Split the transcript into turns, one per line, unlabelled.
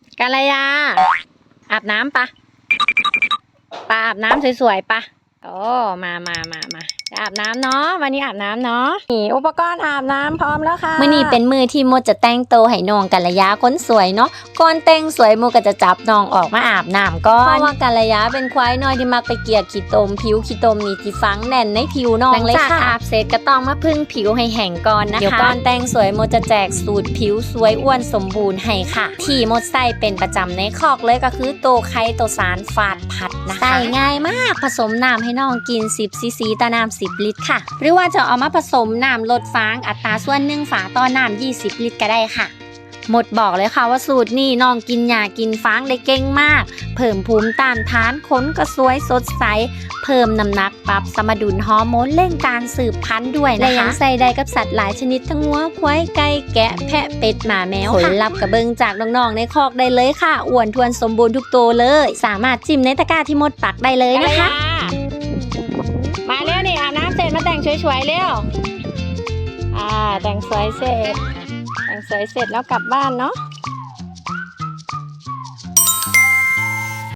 กาลยาอาบน้ำปะอาบน้ำสวยๆปะโอ้มาจะอาบน้ำเนาะวันนี้อาบน้ำเนาะนี่อุปกรณ์อาบน้ำพร้อมแล้วค่ะ
มื้อนี้เป็นมื้อที่โมจะแต่งโตวให้น้องกัลยาคนสวยเนาะก่อนแต่งสวยโมก็จะจับน้องออกมาอาบน้ำก่อนเพราะว่ากัลยาเป็นควายน้อยที่มักไปเกี่ยขี้ตมผิวขี้ตมนี่ที่ฝังแน่นในผิวน้องเลยค่ะหลังจากอาบเสร็จก็ต้องมาพึ่งผิวให้แห้งก่อนนะคะเดี๋ยวก่อนแต่งสวยโมจะแจกสูตรผิวสวยอ้วนสมบูรณ์ให้ค่ะที่โมใส่เป็นประจำในคอกเลยก็คือโตไข่โตสารฝาดผัดนะคะใส่ง่ายมากผสมน้ำให้น้องกิน10 ซีซีต่อน้ำ10 ลิตรค่ะหรือว่าจะเอามาผสมน้ำลดฟางอัตราส่วน1 ฝาต่อน้ำ20 ลิตรก็ได้ค่ะหมดบอกเลยค่ะว่าสูตรนี้น้องกินหญ้ากินฟางได้เก่งมากเพิ่มภูมิต้านทานขนก็สวยสดใสเพิ่มน้ำหนักปรับสมดุลฮอร์โมนเร่งการสืบพันธุ์ด้วยนะคะและยังใส่ได้กับสัตว์หลายชนิดทั้งวัวควายไก่แกะแพะเป็ดหมาแมวผลลัพธ์กระเบิงจากน้องๆในคอกได้เลยค่ะอ้วนทวนสมบูรณ์ทุกตัวเลยสามารถจิ้มในตะกร้าที่มดปักได้เลยนะคะ
มาเร็วนี่อาบน้ำเสร็จมาแต่งสวยๆเร็วแต่งสวยเสร็จแล้วกลับบ้านเนาะ